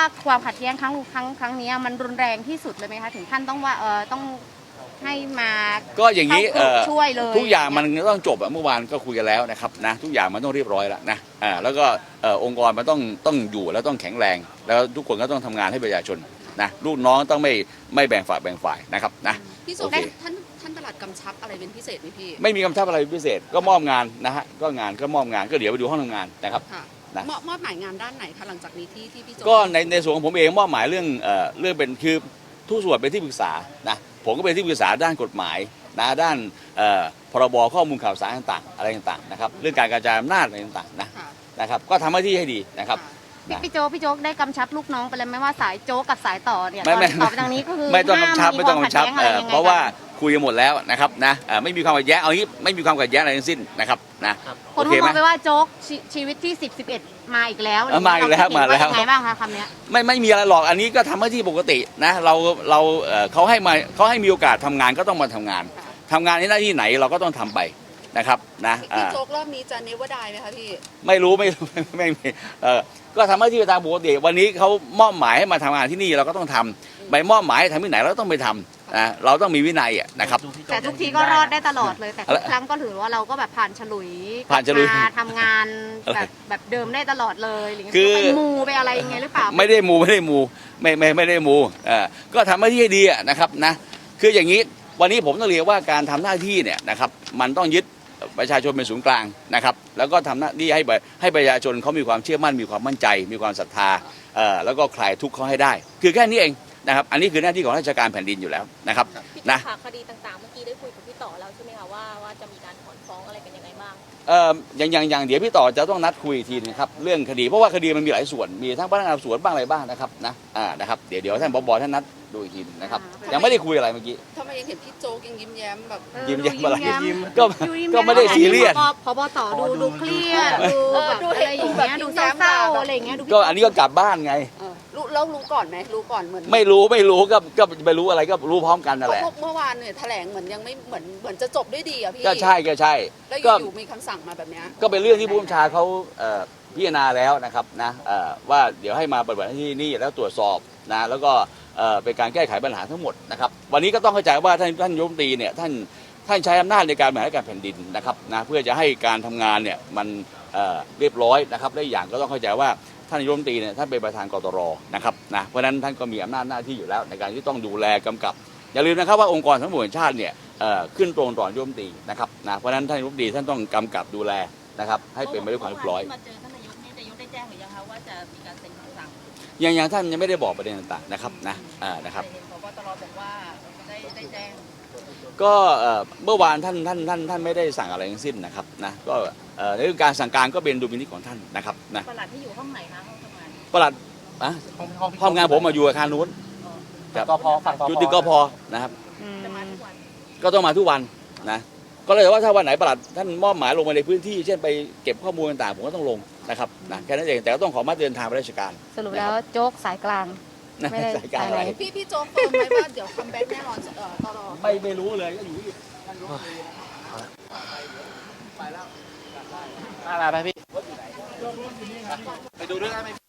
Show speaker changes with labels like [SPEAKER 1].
[SPEAKER 1] ความขัดแย้งครั้งนี้มันรุนแรงที่สุดเลยไหมคะถึงขั้นต้องว่าต้องให้มา
[SPEAKER 2] ก็อย่างนี้
[SPEAKER 1] ช่วยเลย
[SPEAKER 2] ทุกอย่างมันต้องจบเมื่อวานก็คุยกันแล้วนะครับนะทุกอย่างมันต้องเรียบร้อยแล้วนะแล้วก็องค์กรมันต้องอยู่แล้วต้องแข็งแรงแล้วทุกคนก็ต้องทำงานให้ประชาชนนะลูกน้องต้องไม่แบ่งฝ่ายนะครับนะ
[SPEAKER 3] พี่โจท่านปลัดกำชับอะไรเป็นพิเศษไหมพี่
[SPEAKER 2] ไม่มีกำชับอะไรพิเศษก็มอบงานนะฮะก็มอบงานก็เดี๋ยวไปดูห้องทำงานนะครับ
[SPEAKER 3] นะมอบหมายงานด้านไหนคะหลังจากนี้ที่พี่โจ
[SPEAKER 2] ก็ในส่วนของผมเองมอบหมายเรื่องเป็นคือทุกส่วนเป็นที่ปรึกษานะผมก็เป็นที่ปรึกษาด้านกฎหมายนะด้านพรบข้อมูลข่าวสารต่างๆอะไรต่างๆนะครับเรื่องการกระจายอำนาจอะไรต่างๆนะครับก็ทำหน้าที่ให้ดีนะครับ
[SPEAKER 1] พี่โจ๊กได้กำชับลูกน้องไปเลยไหมว่าสายโจ๊กกับสายต่อเนี่ย
[SPEAKER 2] ไม่
[SPEAKER 1] ต่อไปทางนี้ก็คือ
[SPEAKER 2] ไม่ต้องกำชับเพราะว่าคุยกันหมดแล้วนะครับนะไม่มีความขัดแย้งเอางี้ไม่มีความขัดแย้งอะไรทั้งสิ้นนะครับนะ
[SPEAKER 1] คนมองไปว่าโจ๊กชีวิตที่10-11มาอีกแล้ว
[SPEAKER 2] มาอีกแล้ว
[SPEAKER 1] ไงบ้างคะคำนี้
[SPEAKER 2] ไม่มีอะไรหรอกอันนี้ก็ทำหน้าที่ปกตินะเราเขาให้มีโอกาสทำงานก็ต้องมาทำงานในหน้าที่ไหนเราก็ต้องทำไปนะครับนะ
[SPEAKER 3] พี่โจ๊กรอบนี้จะเนวดายไหมคะพี่
[SPEAKER 2] ไม่รู้ไม่ก็ทำหน้าที่ตามปกติวันนี้เขามอบหมายให้มาทำงานที่นี่เราก็ต้องทำใบมอบหมายให้ทำที่ไหนเราก็ต้องไปทำนะเราต้องมีวินัยนะครับ
[SPEAKER 1] แต่ทุกทีก็รอดได้ตลอดเลยแต่ทุกครั้งก็ถือว่าเราก็แบบผ่านฉลุยทำงานแบบเดิมได้ตลอดเลยหรือไปมูไปอะไรยังไงหรือเปล่า
[SPEAKER 2] ไม่ได้มูไม่ได้มูก็ทำหน้าที่ให้ดีนะครับนะคืออย่างนี้วันนี้ผมต้องเรียกว่าการทำหน้าที่เนี่ยนะครับมันต้องยึดประชาชนเป็นศูนย์กลางนะครับแล้วก็ทำหน้าที่ให้ประชาชนเขามีความเชื่อมั่นมีความมั่นใจมีความศรัทธาแล้วก็คลายทุกข์เขาให้ได้คือแค่นี้เองนะครับอันนี้คือหน้าที่ของราชการแผ่นดินอยู่แล้วนะครับ
[SPEAKER 4] นะคดีต่างๆเมื่อกี้ได้คุยกับพี่ต่อแล้วใช่ไหมคะว่าจะมีการถอนฟ้องอะไรกันยังไงบ้าง
[SPEAKER 2] อย่างเดี๋ยวพี่ต่อจะต้องนัดคุยทีนึงครับเรื่องคดีเพราะว่าคดีมันมีหลายส่วนมีทั้งพนักงานสอบสวนบ้างอะไรบ้างนะครับนะครับเดี๋ยวท่านผบ.ท่านนัดดูอีกทีนะครับยังไม่ได้คุยอะไรเมื่อกี้
[SPEAKER 3] ทำไมยังเห็นพี่โจ๊กยังยิ้มแย้มแบบ
[SPEAKER 2] ยิ้มอะไรก็ไม่ได้ซีเรียส
[SPEAKER 1] ผบ.ต่อดูเครียดดูอะไรอย่างเงี้ยดูเศร้าอะไรอย่างเงี้ย
[SPEAKER 2] ก็อันนี้ก็กลับบ้านไง
[SPEAKER 3] แล้วรู้ก่อนไหมรู้ก่อนเหมือน
[SPEAKER 2] ไม่รู้ก็ไปรู้อะไรก็รู้พร้อมกันนั่นแหละ
[SPEAKER 3] เมื่อวานเนี่ยแถลงเหมือนยังไม่เหมือนจะจบด้วยดีอ่ะพี่
[SPEAKER 2] ก็ใช่
[SPEAKER 3] แล้วอยู่มีคำสั่งมาแบบนี้
[SPEAKER 2] ก็เป็นเรื่องที่ผู้บัญชาเขาพิจารณาแล้วนะครับนะว่าเดี๋ยวให้มาปฏิบัติหน้าที่นี่แล้วตรวจสอบนะแล้วก็เป็นการแก้ไขปัญหาทั้งหมดนะครับวันนี้ก็ต้องเข้าใจว่าท่านนายกรัฐมนตรีเนี่ยท่านใช้อำนาจในการบริหารการแผ่นดินนะครับนะเพื่อจะให้การทำงานเนี่ยมันเรียบร้อยนะครับและอย่างก็ต้องเข้าใจว่าท่านนายกรัฐมนตรีเนี่ยท่านเป็นประธานกตรนะครับนะเพราะฉะนั้นท่านก็มีอำนาจหน้าที่อยู่แล้วในการที่ต้องดูแลกำกับอย่าลืมนะครับว่าองค์กรทั้งหมดแห่งชาติเนี่ยขึ้นตรงต่อนายกรัฐมนตรีนะครับนะเพราะฉะนั้นท่านนายกรัฐมนตรีท่านต้องกำกับดูแลนะครับให้เป็นไปด้วยความเรียบร้อย
[SPEAKER 4] มาเจอท่านนายกนี่นายกได้แจ้งหรือยังคะว่าจะมีการเซ็นคำสั่ง
[SPEAKER 2] ยังท่านยังไม่ได้บอกประเด็นต่างๆนะครับนะครับ
[SPEAKER 4] ผบ.ตร.บอกว่าได้แจ้ง
[SPEAKER 2] ก็เมื่อวานท่านไม่ได้สั่งอะไรทั้งสิ้นนะครับนะก็ในเรื่องการสั่งการก็เป็นดุลพินิจของท่านนะครับนะ
[SPEAKER 4] ปลัดที่อยู่ห้องไหนคะห้องทำงาน
[SPEAKER 2] ปลัดห้องงานผมมาอยู่อาคารนู้น
[SPEAKER 5] กพฝั่ง
[SPEAKER 2] อยู่ตึกกพนะครับ
[SPEAKER 4] จะมาทุกวัน
[SPEAKER 2] ก็ต้องมาทุกวันนะก็เลยว่าถ้าวันไหนปลัดท่านมอบหมายลงมาในพื้นที่เช่นไปเก็บข้อมูลต่างๆผมก็ต้องลงนะครับนะแค่นั้นเองแต่ก็ต้องขอมาเดินทางไปราชการ
[SPEAKER 1] สรุปแล้วโจ๊กสายกลาง
[SPEAKER 2] ไม่ได้สายกลางอะไร
[SPEAKER 3] พี่โจ๊กเฟิร์มไหมว่าเดี๋ยวคัมแบ็กแน่นอนตลอด
[SPEAKER 2] ไม่รู้เลยก็อยู่ที่
[SPEAKER 5] มาพี่
[SPEAKER 2] ไปดูด้วยกันไหม